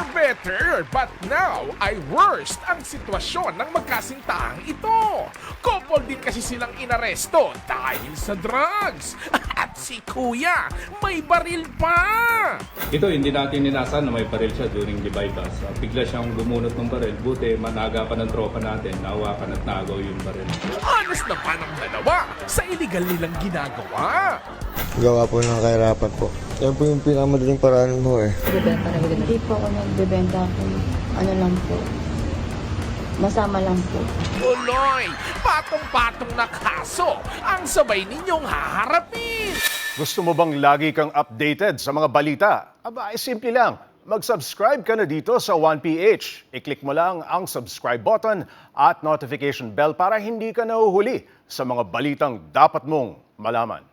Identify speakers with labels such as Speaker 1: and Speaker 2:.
Speaker 1: better, but now ay worst ang sitwasyon ng magkasintahan ito. Couple din kasi silang inaresto dahil sa drugs. At si Kuya, may baril pa!
Speaker 2: Ito, hindi natin ninasan na may baril siya during the bypass. Bigla siyang bumunot ng baril. Buti, managa pa ng tropa natin, nahawakan at nagaw yung baril.
Speaker 1: Honest naman ang dalawa sa illegal nilang ginagawa.
Speaker 3: Gawa po ng kahirapan po. Yan po yung pinakamadaling paraan mo eh.
Speaker 4: Hindi po ako nagbebenta kung ano lang po. Masama lang po.
Speaker 1: Tuloy, patong-patong na kaso ang sabay ninyong haharapin.
Speaker 5: Gusto mo bang lagi kang updated sa mga balita? Aba, ay simple lang. Mag-subscribe ka na dito sa 1PH. I-click mo lang ang subscribe button at notification bell para hindi ka nahuhuli sa mga balitang dapat mong malaman.